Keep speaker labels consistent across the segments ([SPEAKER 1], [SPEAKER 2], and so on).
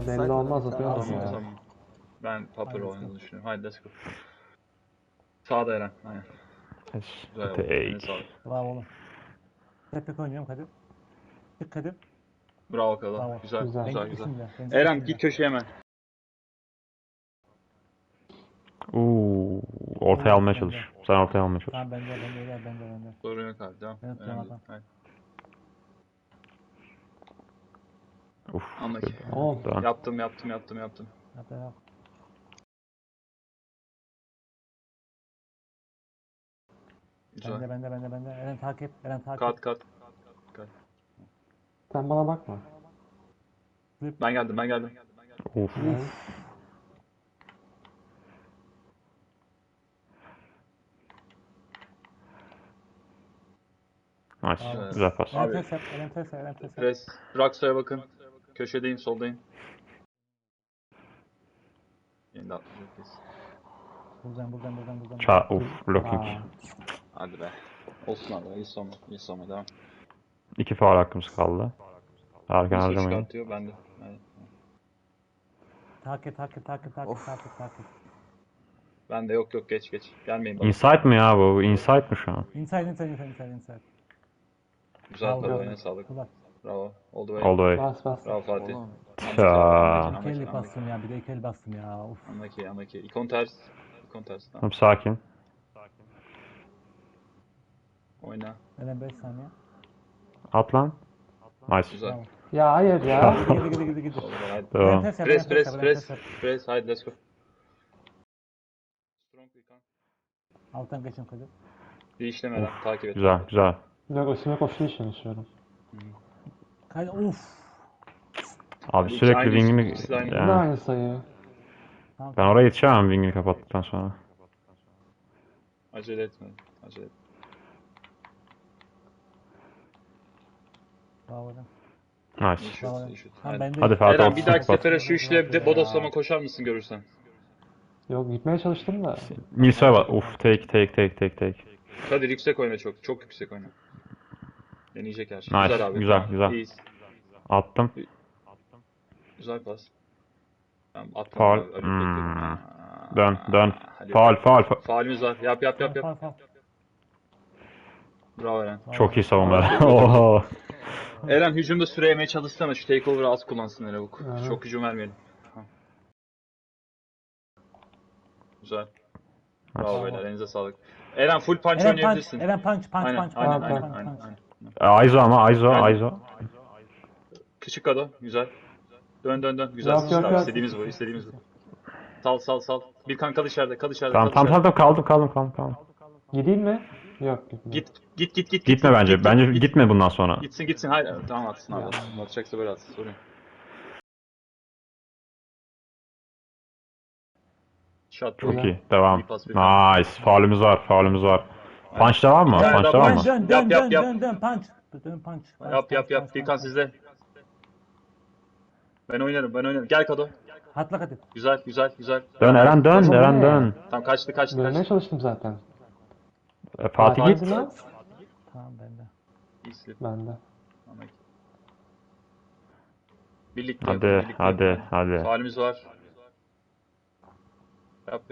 [SPEAKER 1] Ya belli olmaz atıyoruz
[SPEAKER 2] Tamam,
[SPEAKER 1] ya.
[SPEAKER 2] tamam. Ben Popper
[SPEAKER 3] Hadi
[SPEAKER 2] oynadığını düşünüyorum. Hadi let's go. Sağda Eren. Aynen. Güzel oldu. Eline sağlık.
[SPEAKER 3] Bravo oğlum. Tek oynuyorum Kadir. Tek Kadir.
[SPEAKER 2] Bravo Kala.
[SPEAKER 3] Bravo.
[SPEAKER 2] Güzel,
[SPEAKER 1] Güzel.
[SPEAKER 2] güzel,
[SPEAKER 3] Bence
[SPEAKER 2] güzel.
[SPEAKER 3] işinde, bence
[SPEAKER 2] Eren
[SPEAKER 3] işinde.
[SPEAKER 2] git köşeye hemen.
[SPEAKER 4] Ortaya almaya
[SPEAKER 3] Bende.
[SPEAKER 4] çalış. Sen ortaya almaya çalış.
[SPEAKER 3] Tamam bende.
[SPEAKER 2] Sorun yok abi. Devam.
[SPEAKER 3] Evet,
[SPEAKER 2] Önemli değil.
[SPEAKER 3] tamam.
[SPEAKER 2] Hadi.
[SPEAKER 4] Uf.
[SPEAKER 2] Anlaki.
[SPEAKER 1] Oğlum.
[SPEAKER 4] Dön.
[SPEAKER 2] Yaptım.
[SPEAKER 3] Hatta yok.
[SPEAKER 2] Güzel.
[SPEAKER 3] Bende. Eren takip.
[SPEAKER 2] Kat.
[SPEAKER 1] Sen bana bakma.
[SPEAKER 2] Ben geldim.
[SPEAKER 4] Uf.
[SPEAKER 1] Ne?
[SPEAKER 4] Nice.
[SPEAKER 3] Bravo.
[SPEAKER 4] Güzel pas.
[SPEAKER 2] Abi.
[SPEAKER 3] Eren ters yap.
[SPEAKER 2] Pres. Rakso'ya bakın. Köşedeyim, soldayım. Yeni de atlayacak kesin.
[SPEAKER 3] Buradan.
[SPEAKER 4] Uf. Blocking.
[SPEAKER 1] Aa,
[SPEAKER 2] Hadi be. Olsun abi. İyi savunma. Devam.
[SPEAKER 4] 2 faul hakkımız kaldı. Erken
[SPEAKER 2] Yusuf
[SPEAKER 4] harcamayın.
[SPEAKER 2] çıkartıyor. Ben de. Hadi.
[SPEAKER 3] Takip.
[SPEAKER 2] Ben de yok geç. Gelmeyin bana.
[SPEAKER 4] Inside mı ya bu? Inside mi şu an?
[SPEAKER 3] Inside.
[SPEAKER 2] Güzel
[SPEAKER 3] Bravo.
[SPEAKER 2] atladı. Eline sağlık.
[SPEAKER 3] Kulak.
[SPEAKER 2] Bravo. All the way.
[SPEAKER 4] All the way.
[SPEAKER 1] bas.
[SPEAKER 2] Bravo Fatih.
[SPEAKER 4] Ta.
[SPEAKER 3] İki el bastım ya. Bir de iki el bastım ya. Uf.
[SPEAKER 2] Anlaki. İkon ters. Tamam.
[SPEAKER 4] Tamam, sakin.
[SPEAKER 2] Oyna.
[SPEAKER 3] Eren 5 saniye.
[SPEAKER 4] At lan. Nice.
[SPEAKER 2] Güzel.
[SPEAKER 3] Bravo.
[SPEAKER 1] Ya hayır ya.
[SPEAKER 3] Gidi.
[SPEAKER 2] All the way. Hadi.
[SPEAKER 4] Devam.
[SPEAKER 3] Eren ters yap. Eren ters yap.
[SPEAKER 2] Press. Hadi let's go. Strong İkon.
[SPEAKER 3] Alttan geçin Kadir.
[SPEAKER 2] Bir işlemeden takip et.
[SPEAKER 4] Güzel.
[SPEAKER 1] Yok üstüme koştuğu için istiyorum.
[SPEAKER 3] Kadir uf.
[SPEAKER 4] Abi
[SPEAKER 2] İkisi
[SPEAKER 4] sürekli
[SPEAKER 2] aynı,
[SPEAKER 4] wing'imi...
[SPEAKER 2] ikisi de aynı.
[SPEAKER 1] Bu da
[SPEAKER 4] Yani,
[SPEAKER 1] aynı sayı.
[SPEAKER 4] ben oraya yetişemem wing'ini kapattıktan sonra.
[SPEAKER 2] Acele etme.
[SPEAKER 3] Bravo Eren.
[SPEAKER 4] Nice.
[SPEAKER 2] İyi
[SPEAKER 3] Bravo.
[SPEAKER 2] şut.
[SPEAKER 3] Tamam,
[SPEAKER 2] Hadi.
[SPEAKER 3] ben de-
[SPEAKER 4] Hadi Fatih,
[SPEAKER 2] Eren bir
[SPEAKER 4] ortasına
[SPEAKER 2] dahaki
[SPEAKER 4] kapat.
[SPEAKER 2] sefere şu işle de bodoslama koşar mısın görürsen?
[SPEAKER 1] Yok gitmeye çalıştım da.
[SPEAKER 4] Mils'e bak. Uf, take.
[SPEAKER 2] Kadir yüksek oyna çok. Çok yüksek oyna. Deneyecek her şey.
[SPEAKER 4] Nice,
[SPEAKER 2] Güzel abi.
[SPEAKER 4] güzel,
[SPEAKER 2] Tamam,
[SPEAKER 4] güzel.
[SPEAKER 2] İyiyiz.
[SPEAKER 4] Attım.
[SPEAKER 2] Güzel pas. Tamam atma.
[SPEAKER 4] Faul.
[SPEAKER 2] Abi, bekliyorum.
[SPEAKER 4] Dön.
[SPEAKER 2] Hadi.
[SPEAKER 4] Faul.
[SPEAKER 2] Faulümüz var. Yap.
[SPEAKER 3] Fal.
[SPEAKER 2] Bravo Eren.
[SPEAKER 4] Çok iyi savunma. Oho.
[SPEAKER 2] Eren hücumda süre yemeye çalışsana. Şu takeover'ı az kullansın Erebuk.
[SPEAKER 1] Aha.
[SPEAKER 2] Çok hücum vermeyelim. Tamam. Güzel. Bravo beyler. Elinize sağlık. Eren full punch oynayabilirsin.
[SPEAKER 3] Eren punch.
[SPEAKER 2] Aynen.
[SPEAKER 4] Aizo.
[SPEAKER 2] Küçük kado. Güzel. Dön. Güzel.
[SPEAKER 1] Yok.
[SPEAKER 2] İstediğimiz bu. Sal. Bir kan kal içeride.
[SPEAKER 4] Tamam, kaldım.
[SPEAKER 1] Gideyim mi? Yok gitme.
[SPEAKER 2] Git.
[SPEAKER 4] Gitme bence. Bence gitme bundan sonra.
[SPEAKER 2] Gitsin. Hayır. Tamam atsın abi. Atacaksa böyle atsın. Sorun yok. Shot.
[SPEAKER 4] Çok iyi. Devam.
[SPEAKER 2] İyi pas, bir
[SPEAKER 4] Nice. Faulümüz var. Punch devam mı?
[SPEAKER 2] Yani
[SPEAKER 4] Punch devam mı?
[SPEAKER 3] Dön punch. Dön punch.
[SPEAKER 2] Yap. Bir kan sizde. Ben oynarım. Gel kado.
[SPEAKER 3] Hatla Kadir.
[SPEAKER 2] Güzel.
[SPEAKER 4] Dön Eren
[SPEAKER 1] Oğlum,
[SPEAKER 4] dön.
[SPEAKER 2] Tamam kaçtı.
[SPEAKER 1] Dönmeye çalıştım zaten.
[SPEAKER 4] Fatih git.
[SPEAKER 1] Hadi lan.
[SPEAKER 3] Tamam bende.
[SPEAKER 2] İyisin.
[SPEAKER 1] Bende.
[SPEAKER 2] Birlikte
[SPEAKER 4] Hadi.
[SPEAKER 2] Faulümüz var. Yap.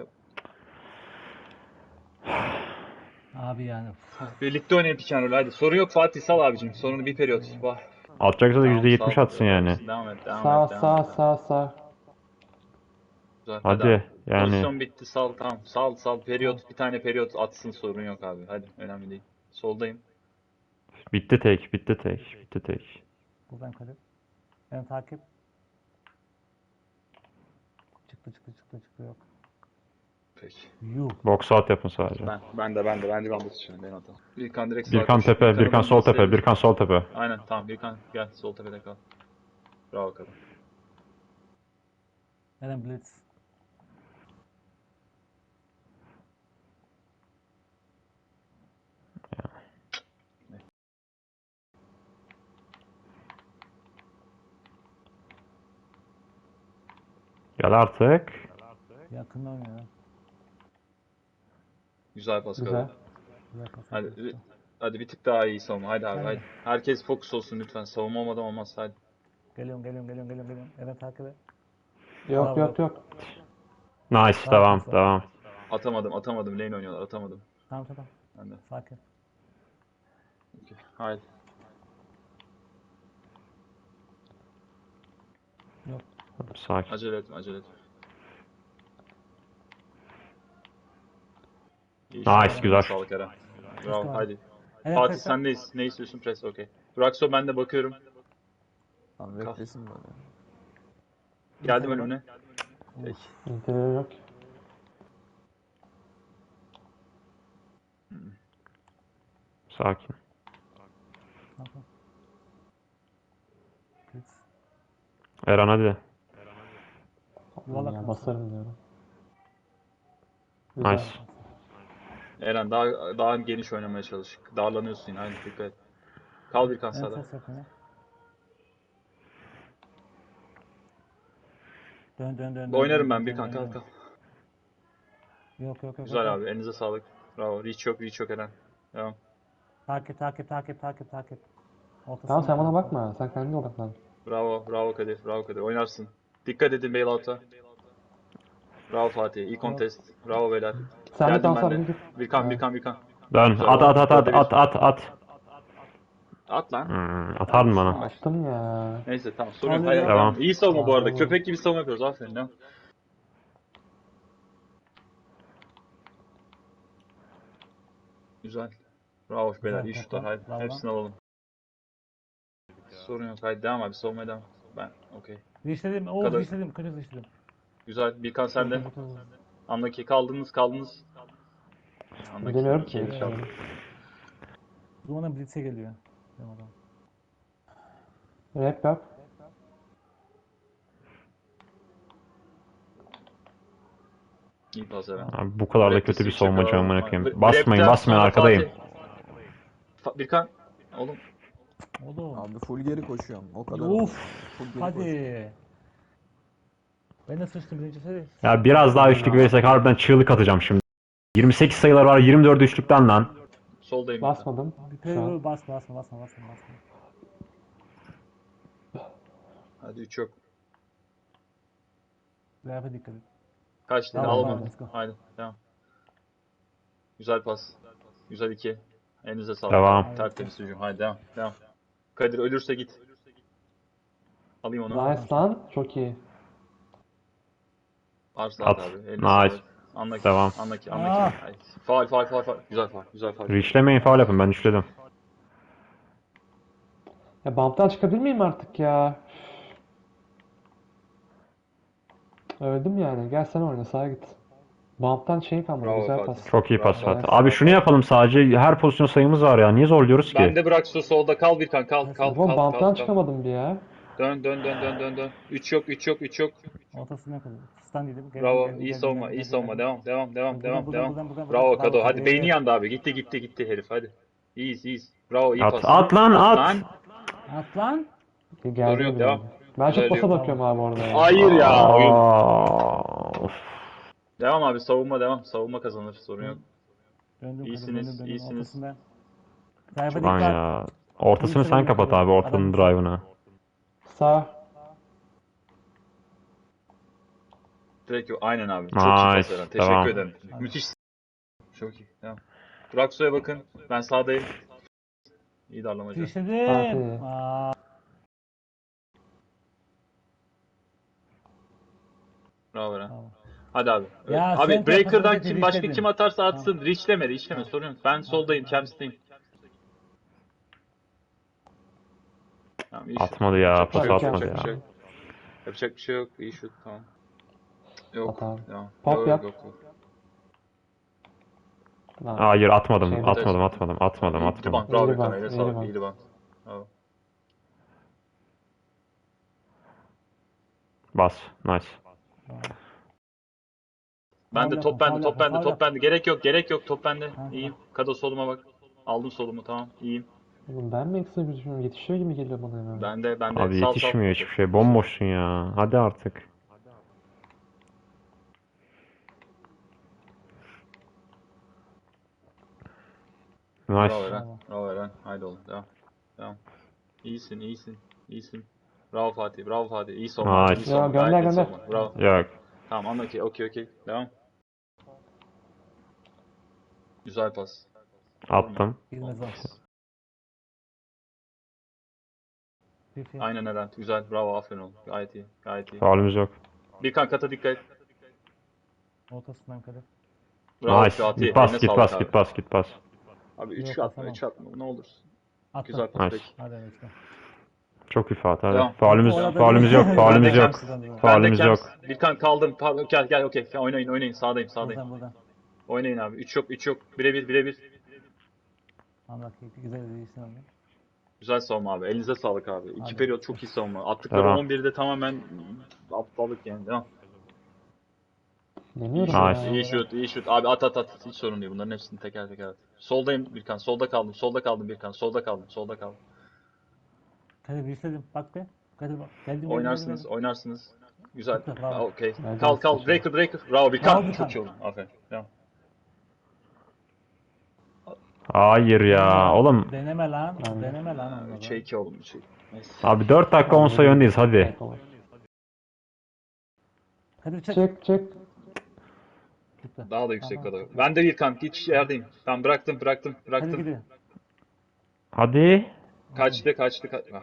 [SPEAKER 3] Abi yani.
[SPEAKER 2] Birlikte oynayın pick and roll hadi. Sorun yok Fatih sal abicim. Sorunu bir periyot. Vah.
[SPEAKER 4] Atacaksa da
[SPEAKER 2] Tamam,
[SPEAKER 4] %70
[SPEAKER 2] sal.
[SPEAKER 4] atsın yani.
[SPEAKER 2] Devam et.
[SPEAKER 1] Sağ.
[SPEAKER 2] Güzel,
[SPEAKER 4] Hadi yani.
[SPEAKER 2] Pozisyon bitti sal tamam. Sal periyot. Bir tane periyot atsın sorun yok abi. Hadi önemli değil. Soldayım.
[SPEAKER 4] Bitti tek.
[SPEAKER 3] Buradan Kadir. Eren takip. Çıktı yok.
[SPEAKER 2] Peki.
[SPEAKER 3] Yuh.
[SPEAKER 4] Box out yapın sadece.
[SPEAKER 2] Ben de bence ben basıyorum. Ben atalım. Birkan direkt
[SPEAKER 4] Birkan tepe, Birkan sol tepe.
[SPEAKER 2] Aynen tamam Birkan gel sol tepede kal. Bravo kadın.
[SPEAKER 3] Eren blitz.
[SPEAKER 4] Gel artık.
[SPEAKER 3] Yakından oynuyor.
[SPEAKER 2] Güzel pas
[SPEAKER 1] Güzel.
[SPEAKER 2] kadın.
[SPEAKER 3] Güzel pas.
[SPEAKER 2] Hadi bir tık daha iyi savunma. Hadi. Herkes fokus olsun lütfen. Savunma olmadan olmaz hadi.
[SPEAKER 3] Geliyorum. Eren takip et.
[SPEAKER 1] Yok
[SPEAKER 3] Bravo.
[SPEAKER 1] yok yok.
[SPEAKER 4] Nice. Devam.
[SPEAKER 3] Bravo.
[SPEAKER 4] Devam.
[SPEAKER 2] Atamadım. Lane oynuyorlar. Atamadım.
[SPEAKER 3] Tamam.
[SPEAKER 2] Ben de.
[SPEAKER 3] Sakin.
[SPEAKER 2] Okey. Haydi.
[SPEAKER 3] Yok.
[SPEAKER 4] Sakin.
[SPEAKER 2] Acele etme. İyi
[SPEAKER 4] Nice,
[SPEAKER 2] şans.
[SPEAKER 4] güzel.
[SPEAKER 2] Sağlık Eren. Bravo.
[SPEAKER 3] Tamam.
[SPEAKER 2] Haydi.
[SPEAKER 3] Evet,
[SPEAKER 2] Fatih
[SPEAKER 3] press.
[SPEAKER 2] sendeyiz. Ne istiyorsun? Press. Okey. Braxo ben de bakıyorum.
[SPEAKER 5] Tamam beklesin böyle.
[SPEAKER 2] Geldim önümüne. Peki.
[SPEAKER 1] İnterior yok.
[SPEAKER 4] Sakin.
[SPEAKER 3] Tamam. Blitz.
[SPEAKER 4] Eren hadi.
[SPEAKER 3] Yuvarlak
[SPEAKER 1] Ya
[SPEAKER 3] mı?
[SPEAKER 1] basarım diyorum. Güzel.
[SPEAKER 4] Nice.
[SPEAKER 2] Eren daha geniş oynamaya çalış. Darlanıyorsun yine. Haydi dikkat et. Kal bir kan
[SPEAKER 3] Evet,
[SPEAKER 2] sağda.
[SPEAKER 3] ses yapın. Dön.
[SPEAKER 2] Oynarım ben
[SPEAKER 3] dön,
[SPEAKER 2] bir kan.
[SPEAKER 3] dön.
[SPEAKER 2] Kal.
[SPEAKER 3] Yok.
[SPEAKER 2] Güzel abi. Elinize sağlık. Bravo. Reach yok Eren. Devam.
[SPEAKER 3] Takip. Ortasına
[SPEAKER 1] Tamam sen bana
[SPEAKER 3] takip.
[SPEAKER 1] bakma. Sen kendine odaklan.
[SPEAKER 2] Bravo Kadir. Oynarsın. Dikkat edin bailout'a. Bravo Fatih. İyi contest. Bravo beyler.
[SPEAKER 1] Sen de
[SPEAKER 2] Geldim
[SPEAKER 1] kalsana
[SPEAKER 2] ben de.
[SPEAKER 1] bir.
[SPEAKER 2] Bir kan.
[SPEAKER 4] Dön.
[SPEAKER 2] Güzel
[SPEAKER 4] At
[SPEAKER 2] oldu.
[SPEAKER 4] at at at
[SPEAKER 2] Dörde bir.
[SPEAKER 4] at at.
[SPEAKER 2] At lan.
[SPEAKER 4] Atar mı bana?
[SPEAKER 1] Attım ya.
[SPEAKER 2] Neyse tamam. Sorun yok.
[SPEAKER 3] Tamam,
[SPEAKER 2] Haydi,
[SPEAKER 4] devam.
[SPEAKER 2] İyi savunma bu arada.
[SPEAKER 1] Tamam.
[SPEAKER 2] Köpek gibi savunma yapıyoruz. Aferin. Devam. Güzel. Bravo beyler. İyi
[SPEAKER 3] Güzel,
[SPEAKER 2] şutlar. Haydi.
[SPEAKER 3] bravo.
[SPEAKER 2] Hepsini alalım. Sorun yok. Haydi devam abi. Savunmaya devam. Ben. Okey.
[SPEAKER 3] Dişledim.
[SPEAKER 2] Kadar-
[SPEAKER 3] Dişledim. Kötü dişledim.
[SPEAKER 2] Güzel. Bir kan sende.
[SPEAKER 3] Dur.
[SPEAKER 2] Andaki kaldınız. Andaki
[SPEAKER 1] Bilmiyorum
[SPEAKER 2] iki
[SPEAKER 1] ki.
[SPEAKER 2] kaldı.
[SPEAKER 3] Dumanın Blitz'e geliyor. Benim adam.
[SPEAKER 1] Rap yap.
[SPEAKER 2] İyi pas Eren.
[SPEAKER 4] Abi bu kadar da
[SPEAKER 2] Rap
[SPEAKER 4] kötü bir
[SPEAKER 2] switch
[SPEAKER 4] savunmacı
[SPEAKER 2] yapıyorum.
[SPEAKER 4] amına koyayım.
[SPEAKER 2] Rapten
[SPEAKER 4] Basmayın
[SPEAKER 2] sonra
[SPEAKER 4] arkadayım.
[SPEAKER 2] Fatih. Birkan. Oğlum.
[SPEAKER 3] Oğlum.
[SPEAKER 5] Abi full geri koşuyorum. O kadar.
[SPEAKER 3] Of.
[SPEAKER 5] Full geri koşuyorum.
[SPEAKER 3] Hadi. Ben de sıçtım birincisi.
[SPEAKER 4] Ya biraz daha üçlük verirsek harbiden çığlık atacağım şimdi. 28 sayılar var 24 üçlükten lan.
[SPEAKER 2] Soldayım.
[SPEAKER 1] Basmadım. Şu an.
[SPEAKER 3] Basma.
[SPEAKER 2] Hadi 3 yok.
[SPEAKER 3] Rap'e dikkat et.
[SPEAKER 2] Kaç dedi?
[SPEAKER 3] Tamam,
[SPEAKER 2] Alamadım.
[SPEAKER 3] let's go.
[SPEAKER 2] Haydi. Devam. Güzel pas. Güzel 2. Elinize sağlık.
[SPEAKER 4] Devam.
[SPEAKER 2] Tertemiz hücum. Haydi devam. Kadir ölürse git. Alayım onu.
[SPEAKER 1] Nice lan. Çok iyi.
[SPEAKER 2] Arslan
[SPEAKER 4] At.
[SPEAKER 2] abi. Eline
[SPEAKER 4] Nice.
[SPEAKER 2] sağlık. Anlaki.
[SPEAKER 4] Devam.
[SPEAKER 2] Anlaki.
[SPEAKER 3] Ah.
[SPEAKER 2] Haydi. Faul. Güzel faul.
[SPEAKER 4] Reachlemeyin faul yapın ben üçledim.
[SPEAKER 1] Ya bump'tan çıkabilir miyim artık ya? Öldüm yani. Gel sen oyna sağa git. Bump'tan şey kalmadı.
[SPEAKER 2] Bravo
[SPEAKER 1] Güzel
[SPEAKER 2] Fatih.
[SPEAKER 1] pas.
[SPEAKER 4] Çok iyi pas
[SPEAKER 2] Bravo.
[SPEAKER 4] Fatih. Abi şunu yapalım sadece her pozisyon sayımız var ya. Niye zorluyoruz
[SPEAKER 2] Ben
[SPEAKER 4] ki?
[SPEAKER 2] de bırak su solda. Kal Birkan. Kal.
[SPEAKER 1] Oğlum bump'tan çıkamadım bir ya.
[SPEAKER 2] Dön. 3 yok.
[SPEAKER 3] Ortasına kalıyor. Stand yedim.
[SPEAKER 2] Bravo. İyi savunma. Devam. Bravo Kado. Hadi beyni yandı abi. Gitti herif hadi. İyiyiz. Bravo iyi pas.
[SPEAKER 4] At lan at.
[SPEAKER 3] At lan.
[SPEAKER 1] Geldi
[SPEAKER 2] Soru yok,
[SPEAKER 1] bile.
[SPEAKER 2] devam.
[SPEAKER 1] Ben çok
[SPEAKER 2] Güzel
[SPEAKER 1] pasa
[SPEAKER 2] yok.
[SPEAKER 1] bakıyorum abi orada ya.
[SPEAKER 2] Hayır ya oyun.
[SPEAKER 4] Of.
[SPEAKER 2] Devam abi savunma. Savunma kazanır. Sorun yok.
[SPEAKER 3] Döndüm.
[SPEAKER 2] İyisiniz.
[SPEAKER 3] Ortasında. Drive'a
[SPEAKER 4] Lan
[SPEAKER 3] dikkat.
[SPEAKER 4] ya. Ortasını sen kapat abi ortanın drive'ını.
[SPEAKER 1] Sağ.
[SPEAKER 2] Direkt yok. Aynen abi. Çok iyi pas
[SPEAKER 4] Nice,
[SPEAKER 2] Eren. Teşekkür
[SPEAKER 4] devam.
[SPEAKER 2] ederim. Müthiş. Çok iyi. Devam. Buraksu'ya bakın. Ben sağdayım. İyi darlamacı.
[SPEAKER 3] Dişledim.
[SPEAKER 1] Fatih.
[SPEAKER 3] Aa,
[SPEAKER 2] Bravo Eren.
[SPEAKER 3] Tamam.
[SPEAKER 2] Hadi abi.
[SPEAKER 3] Ya
[SPEAKER 2] Abi
[SPEAKER 3] sen
[SPEAKER 2] Breaker'dan
[SPEAKER 3] kapatınca
[SPEAKER 2] başka
[SPEAKER 3] reachledin.
[SPEAKER 2] kim atarsa atsın. Reachleme. Sorun yok. Ben soldayım. Camps'teyim. Tamam, iyi şut.
[SPEAKER 4] Atmadı ya,
[SPEAKER 2] Yapacak bir
[SPEAKER 4] pas
[SPEAKER 2] şey yok,
[SPEAKER 4] atmadı
[SPEAKER 2] yapacak bir
[SPEAKER 4] ya.
[SPEAKER 2] şey yok. Yapacak bir şey yok. İyi şut. Tamam. Yok.
[SPEAKER 1] At abi.
[SPEAKER 2] Devam.
[SPEAKER 1] Pop
[SPEAKER 2] Yok.
[SPEAKER 1] yap. Lan.
[SPEAKER 4] Hayır atmadım.
[SPEAKER 1] Şey,
[SPEAKER 4] Atmadım.
[SPEAKER 2] İyi rebound. Bravo
[SPEAKER 1] İyi
[SPEAKER 2] Gökhan.
[SPEAKER 1] rebound,
[SPEAKER 2] Eline
[SPEAKER 1] iyi
[SPEAKER 2] sağlık.
[SPEAKER 1] rebound.
[SPEAKER 2] İyi rebound. Bravo.
[SPEAKER 4] Bas. Nice.
[SPEAKER 2] Ben de
[SPEAKER 3] Faul
[SPEAKER 2] top
[SPEAKER 3] yapma,
[SPEAKER 2] bende.
[SPEAKER 3] faul
[SPEAKER 2] Top
[SPEAKER 3] yapma,
[SPEAKER 2] bende.
[SPEAKER 3] faul
[SPEAKER 2] Top bende. Gerek yok. Top bende.
[SPEAKER 3] Ha,
[SPEAKER 2] İyiyim. Kado soluma bak. Aldım solumu. Tamam. İyiyim.
[SPEAKER 1] Oğlum ben mi ekstra gözüküyorum? Yetişiyor gibi geliyor bana ya.
[SPEAKER 2] Ben de.
[SPEAKER 4] Abi
[SPEAKER 2] Sal.
[SPEAKER 4] yetişmiyor hiçbir şey. Bomboşsun ya. Hadi artık.
[SPEAKER 2] Bravo
[SPEAKER 4] Nice.
[SPEAKER 2] Eren. Bravo Eren. Haydi oğlum. Devam. İyisin. Bravo Fatih. Bravo Fatih. İyi savunma.
[SPEAKER 4] Nice.
[SPEAKER 2] İyi savunma.
[SPEAKER 1] Ya, gönder,
[SPEAKER 2] Gayet iyi
[SPEAKER 1] gönder.
[SPEAKER 2] savunma. Bravo.
[SPEAKER 4] Yok.
[SPEAKER 2] Tamam anla ki. Okey. Devam. Güzel pas.
[SPEAKER 4] Attım.
[SPEAKER 3] Girmez o.
[SPEAKER 2] Aynen Eren. Güzel. Bravo. Aferin oğlum. Gayet iyi.
[SPEAKER 4] Faulümüz yok.
[SPEAKER 2] Birkan kata dikkat et.
[SPEAKER 3] Ortasından Kadir.
[SPEAKER 2] Bravo
[SPEAKER 4] Nice.
[SPEAKER 2] Fatih.
[SPEAKER 4] Git pas,
[SPEAKER 2] Eline
[SPEAKER 4] git
[SPEAKER 2] sağlık
[SPEAKER 4] pas,
[SPEAKER 2] abi.
[SPEAKER 4] git pas, git pas.
[SPEAKER 2] Abi 3
[SPEAKER 3] Yok,
[SPEAKER 2] atma.
[SPEAKER 3] atamam.
[SPEAKER 2] 3 atma. Ne olursun.
[SPEAKER 3] Attım.
[SPEAKER 2] Güzel pas.
[SPEAKER 4] Nice.
[SPEAKER 2] Peki.
[SPEAKER 3] Hadi lütfen.
[SPEAKER 4] Çok iyi Fatih. Hadi.
[SPEAKER 2] Devam.
[SPEAKER 4] Faulümüz,
[SPEAKER 3] Bu arada-
[SPEAKER 4] faulümüz yok, faulümüz
[SPEAKER 2] Ben de
[SPEAKER 4] yok.
[SPEAKER 2] Kems. Ben de
[SPEAKER 4] Faulümüz
[SPEAKER 2] Kems.
[SPEAKER 4] yok.
[SPEAKER 2] Birkan kaldım. Pardon. Gel. Okey. Oynayın. Sağdayım.
[SPEAKER 3] Buradan.
[SPEAKER 2] Oynayın abi. 3 yok. Birebir.
[SPEAKER 3] Allah keyifli güzel bir iyisin oldu.
[SPEAKER 2] Güzel savunma abi. Elinize sağlık abi. İki
[SPEAKER 3] Hadi.
[SPEAKER 2] periyot çok iyi savunma. Attıkları
[SPEAKER 4] Devam.
[SPEAKER 2] 11'de tamamen aptallık yani. Devam.
[SPEAKER 1] Deniyorum
[SPEAKER 4] Nice.
[SPEAKER 1] ya.
[SPEAKER 2] İyi şut. Abi at. Hiç sorun değil. Bunların hepsini teker at. Soldayım Birkan. Solda kaldım Birkan. Solda kaldım.
[SPEAKER 3] Kadir bir istedim. Bak be. Kadir bak. Geldim.
[SPEAKER 2] Oynarsınız. Güzel.
[SPEAKER 3] Çok da, bravo.
[SPEAKER 2] Okey.
[SPEAKER 1] Hadi,
[SPEAKER 2] Kal.
[SPEAKER 1] hadi.
[SPEAKER 2] Breaker. Bravo
[SPEAKER 3] Bravo
[SPEAKER 2] Birkan.
[SPEAKER 3] Birkan.
[SPEAKER 2] Çok iyi oldu. Aferin. Devam.
[SPEAKER 4] Hayır ya. Oğlum.
[SPEAKER 3] Deneme lan.
[SPEAKER 1] Aynen.
[SPEAKER 3] Deneme lan onları.
[SPEAKER 2] 3'e 2 oğlum. 3'e 2. Neyse.
[SPEAKER 4] Abi 4 dakika 10 sayı öndeyiz hadi.
[SPEAKER 3] Kadir çek.
[SPEAKER 1] Çek.
[SPEAKER 3] Gitti.
[SPEAKER 2] Daha da yüksek
[SPEAKER 3] Tamam.
[SPEAKER 2] kadar. Ben de Birkan. Hiç yerdeyim. Ben bıraktım.
[SPEAKER 3] Kadir gidiyor.
[SPEAKER 4] Hadi.
[SPEAKER 2] Kaçtı. Ah.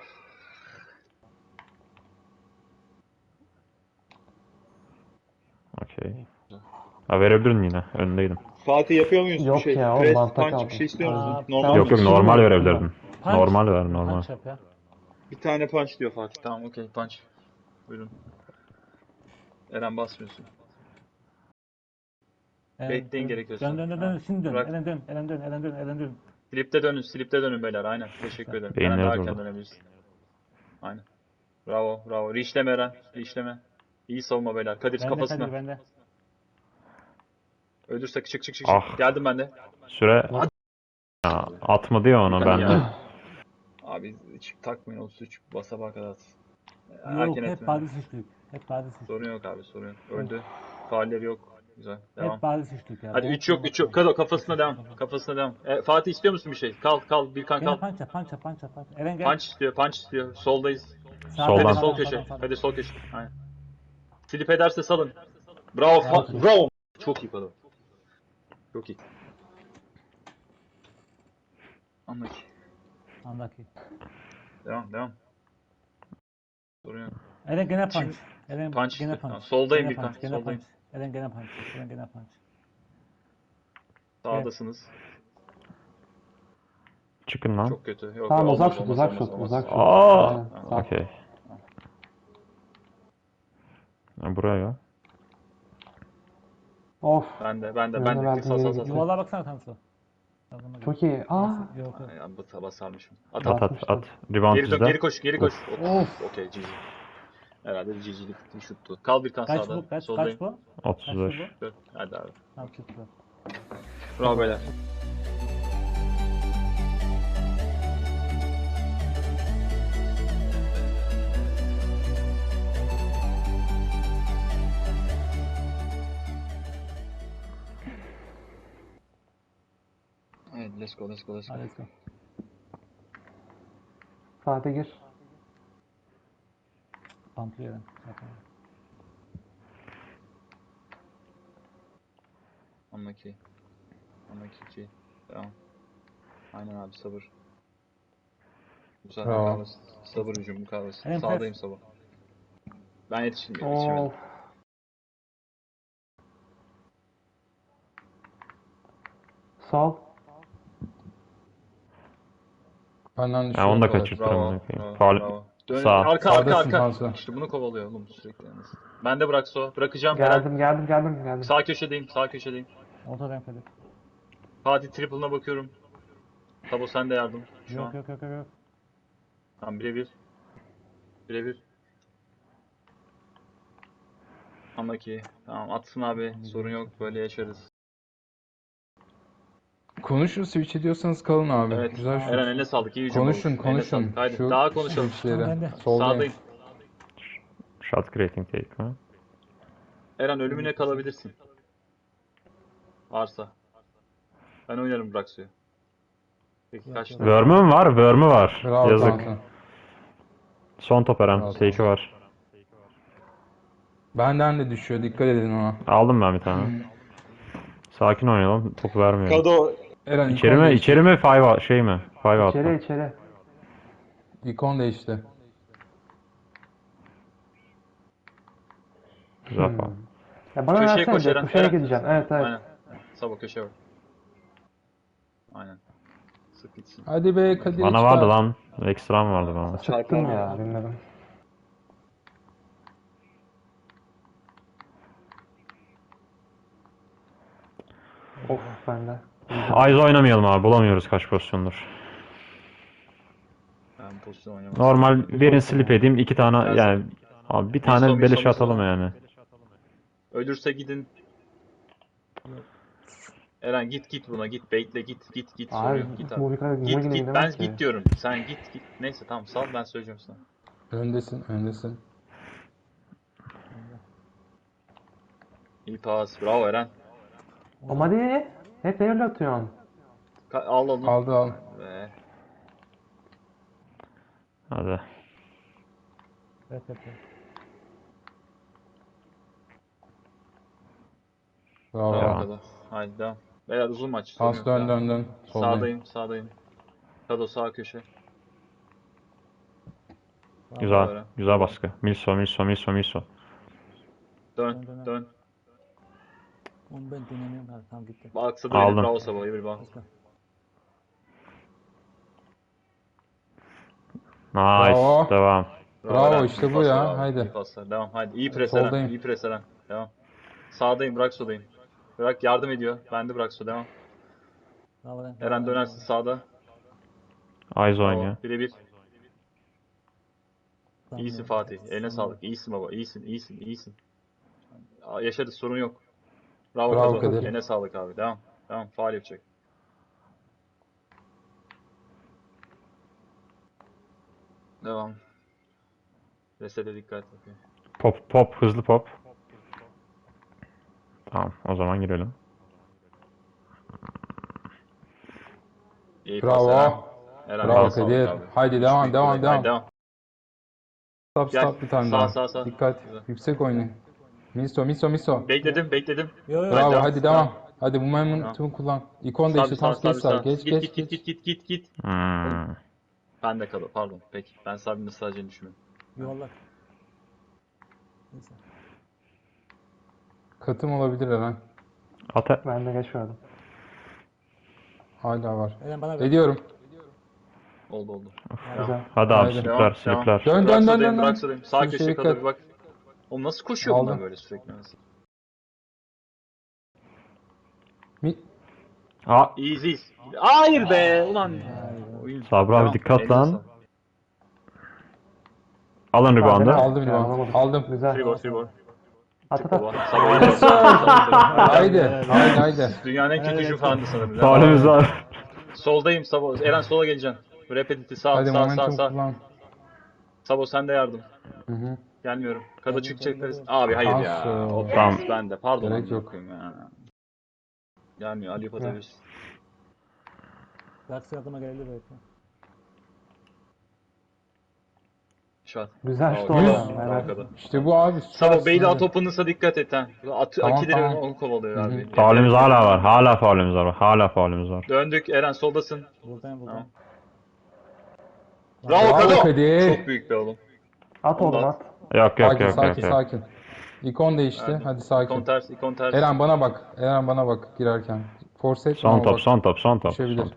[SPEAKER 4] Okey. Ha verebilirdin yine. Önündeydim.
[SPEAKER 2] Fatih yapıyor muyuz
[SPEAKER 1] Yok
[SPEAKER 2] bir şey?
[SPEAKER 1] ya, oğlum,
[SPEAKER 2] Press,
[SPEAKER 1] bantta
[SPEAKER 2] punch
[SPEAKER 1] kaldım.
[SPEAKER 2] bir şey istiyor musun?
[SPEAKER 3] Aa,
[SPEAKER 2] Normal
[SPEAKER 4] Yok
[SPEAKER 2] mi?
[SPEAKER 4] normal verebilirdin.
[SPEAKER 3] Punch.
[SPEAKER 4] Normal ver normal.
[SPEAKER 3] Punch yap ya.
[SPEAKER 2] Bir tane punch diyor Fatih. Tamam okey punch. Buyurun. Eren basmıyorsun. Bekleyin gerekiyorsa.
[SPEAKER 3] Dön.
[SPEAKER 2] Ha,
[SPEAKER 3] Şimdi dön.
[SPEAKER 2] bırak.
[SPEAKER 3] Eren dön.
[SPEAKER 2] Slip'te dönün beyler. Aynen. Teşekkür ederim. Eren
[SPEAKER 4] Beyinleri
[SPEAKER 2] daha erken
[SPEAKER 4] durdu.
[SPEAKER 2] dönebilirsin. Aynen. Bravo. Reachleme Eren. Reachleme. İyi savunma beyler. Kadir
[SPEAKER 3] Bende
[SPEAKER 2] kafasına.
[SPEAKER 3] Kadir bende.
[SPEAKER 2] Ölürse çık.
[SPEAKER 4] Ah.
[SPEAKER 2] Geldim ben de.
[SPEAKER 4] Süre. Ya, atmadı ya onu ben de.
[SPEAKER 2] Abi hiç takmayın o suç. Basabağa kadar at.
[SPEAKER 3] Yok
[SPEAKER 2] Erken
[SPEAKER 3] hep
[SPEAKER 2] etme.
[SPEAKER 3] bariz üçlük. Hep bariz üçlük.
[SPEAKER 2] Sorun yok abi sorun yok. Öldü. Faalleri yok. Güzel. Devam.
[SPEAKER 3] Hep bariz üçlük ya.
[SPEAKER 2] Hadi 3 yok. Kado kafasına devam. Fatih istiyor musun bir şey? Kal. Birkan
[SPEAKER 3] Gene
[SPEAKER 2] kal.
[SPEAKER 3] punch yap. Eren gel.
[SPEAKER 2] Punch istiyor. Soldayız.
[SPEAKER 4] Soldan.
[SPEAKER 2] Hadi sol köşe. Hadi sol köşe. Aynen. Slip ederse salın. Bravo. Bravo. Çok iyi Kado. Çok iyi.
[SPEAKER 3] Andaki.
[SPEAKER 2] Devam. Sorun yok.
[SPEAKER 3] Eren gene punch.
[SPEAKER 2] Şimdi-
[SPEAKER 3] Eren
[SPEAKER 2] Punch
[SPEAKER 3] gene
[SPEAKER 2] işte.
[SPEAKER 3] punch.
[SPEAKER 2] Tamam, soldayım
[SPEAKER 3] Gene
[SPEAKER 2] Birkan,
[SPEAKER 3] punch, gene
[SPEAKER 2] soldayım.
[SPEAKER 3] punch. Eren gene punch.
[SPEAKER 2] Sağdasınız.
[SPEAKER 4] Çıkın lan.
[SPEAKER 2] Çok kötü. Yok,
[SPEAKER 1] Tamam,
[SPEAKER 2] olmaz,
[SPEAKER 1] uzak
[SPEAKER 2] olmaz.
[SPEAKER 1] şut.
[SPEAKER 4] Aa.
[SPEAKER 1] Aynen, sağ.
[SPEAKER 4] Okey. Ya, buraya.
[SPEAKER 1] Of.
[SPEAKER 2] Ben de.
[SPEAKER 1] verdim,
[SPEAKER 2] Sağ.
[SPEAKER 1] geri gitti.
[SPEAKER 3] Yuvarlığa baksana Tansu.
[SPEAKER 1] Çok iyi.
[SPEAKER 3] Yok.
[SPEAKER 2] Ya, basarmışım. At.
[SPEAKER 4] At. Rebound
[SPEAKER 2] Geri dön,
[SPEAKER 4] bizde.
[SPEAKER 2] geri koş. Okey, GG. Herhalde bir GG'lik bir şuttu. Kal Birkan
[SPEAKER 3] Kaç
[SPEAKER 2] sağda.
[SPEAKER 3] bu? Kaç
[SPEAKER 2] Soldayım.
[SPEAKER 3] bu?
[SPEAKER 4] 35.
[SPEAKER 2] Dön. Hadi abi.
[SPEAKER 3] Tamam çıktı.
[SPEAKER 2] Bravo beyler. Evet, let's go.
[SPEAKER 3] Hadi let's go.
[SPEAKER 1] Fatih gir.
[SPEAKER 3] Pamplıyor Eren. Yapma.
[SPEAKER 2] Anlaki 2. Devam. Aynen abi sabır. Güzel
[SPEAKER 6] Bravo.
[SPEAKER 2] mukavemet. Sabır hücum mukavemet.
[SPEAKER 3] Hem
[SPEAKER 2] Sağdayım sabah. Ben yetişmedim.
[SPEAKER 1] Of. Sol.
[SPEAKER 6] Benden
[SPEAKER 4] Ya
[SPEAKER 6] düşüyor.
[SPEAKER 4] onu da
[SPEAKER 6] kolay.
[SPEAKER 4] kaçırttım.
[SPEAKER 2] Bravo.
[SPEAKER 4] Faul.
[SPEAKER 2] Dön,
[SPEAKER 4] Sağ.
[SPEAKER 2] arka.
[SPEAKER 6] Sağdasın Tansu.
[SPEAKER 2] İşte bunu kovalıyor oğlum sürekli yalnız. Ben de bırakacağım. Eren.
[SPEAKER 1] Geldim.
[SPEAKER 2] Sağ köşedeyim.
[SPEAKER 3] Ortadan Kadir.
[SPEAKER 2] Fatih triple'ına bakıyorum. Tabo sen de yardım. Şu an.
[SPEAKER 3] Yok.
[SPEAKER 2] Tamam birebir. Anlaki. Tamam atsın abi. Sorun yok. Böyle yaşarız.
[SPEAKER 6] Konuşun switch ediyorsanız kalın abi.
[SPEAKER 2] Evet.
[SPEAKER 6] Güzel şut.
[SPEAKER 2] Eren eline sağlık. İyi hücum
[SPEAKER 6] Konuşun
[SPEAKER 2] oldu. Eline sağlık. Haydi
[SPEAKER 6] Şu
[SPEAKER 2] daha konuşalım.
[SPEAKER 6] switchleri.
[SPEAKER 3] Ben de.
[SPEAKER 6] Soldayım.
[SPEAKER 2] Sağdayım.
[SPEAKER 4] Shot creating take mi?
[SPEAKER 2] Eren ölümüne kalabilirsin. Varsa. Ben oynarım Braxio'yu. Peki kaçtı?
[SPEAKER 4] Worm'ü mü var? Worm'ü var.
[SPEAKER 6] Bravo
[SPEAKER 4] Yazık.
[SPEAKER 6] Tansu.
[SPEAKER 4] Son top Eren.
[SPEAKER 6] Sağ ol.
[SPEAKER 4] T2 var.
[SPEAKER 6] Benden de düşüyor. Dikkat edin ona.
[SPEAKER 4] Aldım ben bir tane. Sakin oynayalım. Topu vermeyelim.
[SPEAKER 2] Kado
[SPEAKER 6] Eren
[SPEAKER 4] İçeri
[SPEAKER 6] ikon
[SPEAKER 4] mi?
[SPEAKER 6] değişti.
[SPEAKER 4] İçeri mi? Five şey mi? Five out
[SPEAKER 1] İçeri
[SPEAKER 4] mı?
[SPEAKER 1] içeri.
[SPEAKER 6] İkon değişti.
[SPEAKER 4] Güzel falan.
[SPEAKER 1] Ya bana
[SPEAKER 2] köşeye
[SPEAKER 1] versene
[SPEAKER 2] koş
[SPEAKER 1] de
[SPEAKER 2] Eren.
[SPEAKER 1] kuşarak
[SPEAKER 2] Eren.
[SPEAKER 1] gideceğim. Evet evet.
[SPEAKER 2] Aynen. Sabo köşeye bak. Aynen. Sık gitsin.
[SPEAKER 6] Hadi be Kadir
[SPEAKER 4] Bana
[SPEAKER 6] çıkar.
[SPEAKER 4] vardı lan. Ekstram vardı bana.
[SPEAKER 1] Sıktım ya bilmedim. Of bende.
[SPEAKER 4] Eyes oynamayalım abi. Bulamıyoruz kaç pozisyondur.
[SPEAKER 2] Ben pozisyon oynamam.
[SPEAKER 4] Normal verin slip edeyim. 2 tane
[SPEAKER 2] Gelsin.
[SPEAKER 4] yani. Abi bir tane
[SPEAKER 2] Miso,
[SPEAKER 4] beleş
[SPEAKER 2] miso.
[SPEAKER 4] atalım yani.
[SPEAKER 2] Ölürse gidin. Eren git buna git. Baitle git. Sorun
[SPEAKER 1] Abi
[SPEAKER 2] yok. Git abi.
[SPEAKER 1] bu kadar
[SPEAKER 2] Git
[SPEAKER 1] yine
[SPEAKER 2] ben
[SPEAKER 1] gidemez ki.
[SPEAKER 2] git diyorum. Sen git. Neyse tamam sal ben söyleyeceğim sana.
[SPEAKER 6] Öndesin.
[SPEAKER 2] İyi pas. Bravo Eren.
[SPEAKER 1] Ama hadi. Hep öyle atıyorsun.
[SPEAKER 2] Al onu.
[SPEAKER 6] Aldı.
[SPEAKER 2] Ve
[SPEAKER 4] Hadi.
[SPEAKER 3] Evet.
[SPEAKER 6] Bravo.
[SPEAKER 2] bravo
[SPEAKER 4] Devam.
[SPEAKER 2] Kado. Haydi devam. Beyler uzun maç. sorun
[SPEAKER 6] Pas
[SPEAKER 2] yok,
[SPEAKER 6] dön
[SPEAKER 2] devam.
[SPEAKER 6] dön. Soldayım.
[SPEAKER 2] Sağdayım. Kado sağ köşe.
[SPEAKER 4] Güzel.
[SPEAKER 2] Böyle.
[SPEAKER 4] Güzel baskı. Milso.
[SPEAKER 2] Dön.
[SPEAKER 3] Onu ben dinlemiyorum. Ha, tamam gitti.
[SPEAKER 2] Aksadı beni.
[SPEAKER 4] Aldım.
[SPEAKER 2] Bravo Sabo. İyi bir bak.
[SPEAKER 3] Başka.
[SPEAKER 6] Bravo.
[SPEAKER 4] Nice. Devam.
[SPEAKER 6] Bravo,
[SPEAKER 2] Eren.
[SPEAKER 6] işte
[SPEAKER 2] İyi
[SPEAKER 6] bu ya,
[SPEAKER 2] paslar abi,
[SPEAKER 6] haydi.
[SPEAKER 2] iyi paslar. Devam haydi. İyi pres Eren.
[SPEAKER 6] Soldayım.
[SPEAKER 2] İyi pres Eren. Devam. Sağdayım. Bırak soldayım. Bırak yardım ediyor. Ben de bırak so devam.
[SPEAKER 3] Bravo lan.
[SPEAKER 2] Eren dönersin sağda.
[SPEAKER 4] Eyes
[SPEAKER 2] Bravo.
[SPEAKER 4] oynuyor.
[SPEAKER 2] Birebir.
[SPEAKER 3] Tamam,
[SPEAKER 2] İyisin
[SPEAKER 3] evet.
[SPEAKER 2] Fatih. Eline
[SPEAKER 3] Tamam.
[SPEAKER 2] sağlık. İyisin baba. İyisin. Yaşadık sorun yok. Bravo,
[SPEAKER 6] Bravo
[SPEAKER 2] Kado.
[SPEAKER 6] Kadir.
[SPEAKER 2] Eline sağlık abi. Devam. Faul yapacak. Devam. Resete dikkat. Okay.
[SPEAKER 4] Pop. Hızlı pop. Tamam. O zaman girelim.
[SPEAKER 2] İyi pas Eren.
[SPEAKER 6] Bravo.
[SPEAKER 2] Eren
[SPEAKER 6] Bravo
[SPEAKER 2] eline sağlık
[SPEAKER 6] Kadir.
[SPEAKER 2] abi.
[SPEAKER 6] Haydi
[SPEAKER 2] Üç
[SPEAKER 6] devam
[SPEAKER 2] büyük
[SPEAKER 6] devam
[SPEAKER 2] olay.
[SPEAKER 6] devam.
[SPEAKER 2] Haydi devam. Gel.
[SPEAKER 6] Stop bir tane
[SPEAKER 2] Sağ.
[SPEAKER 6] daha. Dikkat.
[SPEAKER 2] Güzel.
[SPEAKER 6] Yüksek oynayın. Miso.
[SPEAKER 2] Bekledim.
[SPEAKER 3] Yo.
[SPEAKER 6] Bravo
[SPEAKER 2] devam.
[SPEAKER 6] hadi devam. Hadi bu momentumu kullan. İkon değişti. Tam geç sağ. Geç.
[SPEAKER 2] Git. Ben de Kado. Pardon. Peki. Ben Sabi'nin sadece düşünüyorum.
[SPEAKER 3] Yuvarlak. Neyse.
[SPEAKER 6] Katım olabilir Eren.
[SPEAKER 4] At.
[SPEAKER 1] Ben de geç verdim.
[SPEAKER 6] Hala var.
[SPEAKER 3] Eren bana ver.
[SPEAKER 6] Ediyorum.
[SPEAKER 2] Oldu.
[SPEAKER 1] Güzel.
[SPEAKER 4] Hadi abi
[SPEAKER 6] Haydi.
[SPEAKER 4] slipler.
[SPEAKER 6] Dön.
[SPEAKER 2] Bırak sodayım. Sağ
[SPEAKER 6] Sürüşe
[SPEAKER 2] köşeye
[SPEAKER 6] dikkat.
[SPEAKER 2] Kado bir bak. Oğlum nasıl koşuyor bunlar
[SPEAKER 6] Aldım.
[SPEAKER 2] böyle sürekli?
[SPEAKER 4] Aa,
[SPEAKER 2] Easy. Hayır be. Ulan. Oyun.
[SPEAKER 4] Sabri abi
[SPEAKER 2] Devam.
[SPEAKER 4] dikkat
[SPEAKER 2] Eline
[SPEAKER 4] lan.
[SPEAKER 2] sağlık.
[SPEAKER 4] Alın reboundu.
[SPEAKER 6] Aldım
[SPEAKER 1] Ya,
[SPEAKER 6] rebound.
[SPEAKER 1] alamadım.
[SPEAKER 6] Aldım.
[SPEAKER 1] Güzel.
[SPEAKER 2] Free ball.
[SPEAKER 1] At.
[SPEAKER 2] Baba. Sabah iyi.
[SPEAKER 6] Haydi.
[SPEAKER 2] Dünyanın en kötü hücum falandı sanırım.
[SPEAKER 4] Faulümüz var.
[SPEAKER 2] Soldayım Sabo. Eren sola geleceksin. Repetiti
[SPEAKER 6] Hadi
[SPEAKER 2] sağ.
[SPEAKER 6] momentum kullan.
[SPEAKER 2] Sabo sen de yardım.
[SPEAKER 6] Hı.
[SPEAKER 2] Gelmiyorum. Kado çıkacak. Abi hayır ya.
[SPEAKER 6] Nasıl?
[SPEAKER 2] O
[SPEAKER 4] Tamam.
[SPEAKER 2] ben de. Pardon.
[SPEAKER 6] Gerek
[SPEAKER 2] amına
[SPEAKER 6] yok.
[SPEAKER 2] koyayım ya. Gelmiyor. Ali atabilirsin.
[SPEAKER 3] Belki yardıma gelebilir belki.
[SPEAKER 2] Şu an.
[SPEAKER 1] Güzel
[SPEAKER 2] Bravo,
[SPEAKER 1] şut
[SPEAKER 2] Kado.
[SPEAKER 1] oldu.
[SPEAKER 2] Bravo,
[SPEAKER 1] Evet.
[SPEAKER 2] Kado.
[SPEAKER 6] İşte bu abi.
[SPEAKER 2] Sabo Beyli
[SPEAKER 6] Hadi.
[SPEAKER 2] at open'ınsa dikkat et ha.
[SPEAKER 6] Tamam,
[SPEAKER 2] Akileri
[SPEAKER 6] tamam.
[SPEAKER 2] onu kovalıyor abi.
[SPEAKER 4] Faulümüz hala var. Hala faulümüz var.
[SPEAKER 2] Döndük. Eren soldasın.
[SPEAKER 3] Buradayım.
[SPEAKER 2] Tamam. Bravo
[SPEAKER 6] Bravo
[SPEAKER 2] Kado.
[SPEAKER 6] Kadir.
[SPEAKER 2] Çok büyük be oğlum.
[SPEAKER 1] At oğlum at.
[SPEAKER 4] Yok.
[SPEAKER 6] Sakin. İkon değişti. Hadi sakin.
[SPEAKER 2] İkon ters.
[SPEAKER 6] Eren bana bak girerken. Force etme
[SPEAKER 4] Son
[SPEAKER 6] ama
[SPEAKER 4] top,
[SPEAKER 6] bak.
[SPEAKER 4] son top.
[SPEAKER 6] Düşebilir.